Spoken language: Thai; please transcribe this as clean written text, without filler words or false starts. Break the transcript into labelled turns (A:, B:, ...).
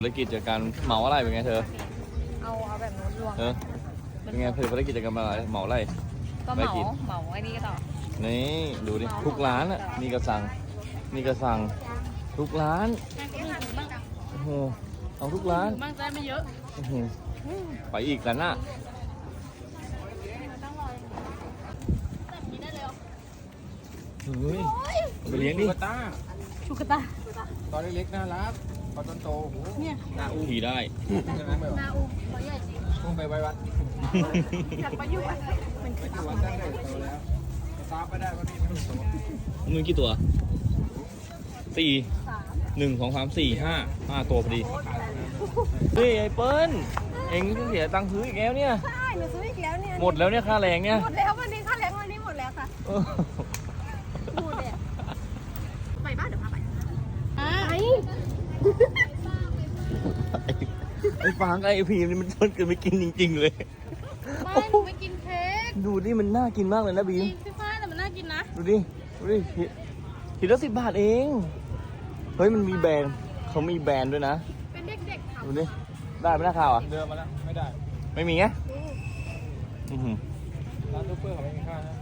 A: ธุรกิจจากการเหมาอะไรเป็นไงเธอ
B: เอาแบบนู้นรวม
A: เป็นไงธุรกิจจากการเหมาอะไร
B: ก็เหมาไอ้นี่ก็ต่อ
A: นี่ดูดิทุกร้านอ่ะนี่ก็สั่งทุกร้านโอ้โหเอาทุกร้าน
B: บ้างได้ไม่เยอะ
A: โอ้โหไปอีกกันน่ะเฮ้ยไปเลี้ยงดิ
B: ชูกระตา
C: ตอนเล็กๆน่ารักพอตอนโตโห
B: เนี่ย
C: นาอู
A: ขี่ได้
B: นาอูเขาใหญ่จริง
C: พุ่งไปไว้วัด
B: อยากไปอยู่วัดมัน
C: ไปอยู่วัดได้โตแล้วตามไปได้ก็นี่ไม่ต้องโต
A: มึงกี่ตัว4 1 2 3 4 5ตัวพอดีเฮ้ยไอ้เปิ้ลเอ็งเสียตังค์ซื้ออีกแล้วเนี่ย
B: ใช่หนูซื้ออีกแล้วเนี่ย
A: หมดแล้วเนี่ยค่าแรงเนี่ย
B: หมดแล้ววันนี้ค่าแรงวันนี้หมดแล้วค่ะพูดเลยไปบ้านเดี๋ยวพาไป
A: ไอ้ฟางไอ้พีนี่มันชวนกันไปกินจริงๆเลย
B: ไม่หนูไม่กินเค้ก
A: ดูดิมันน่ากินมากเลยนะบีม
B: พี่ฟ้าแต่มันน่ากินนะ
A: ดูดิทีละ10 บาทเองเฮ้ยมันมีแบรนด์เขามีแบรนด์ด้วยนะ
B: เป็นเด็กๆทำ
A: ดูดิได้ไหมนะข่าวอ่ะ
C: เดินมาแล้วไม่ได้
A: ไม่มีไง
C: ร้านซูเปอร์เขาไม่มีค่านะ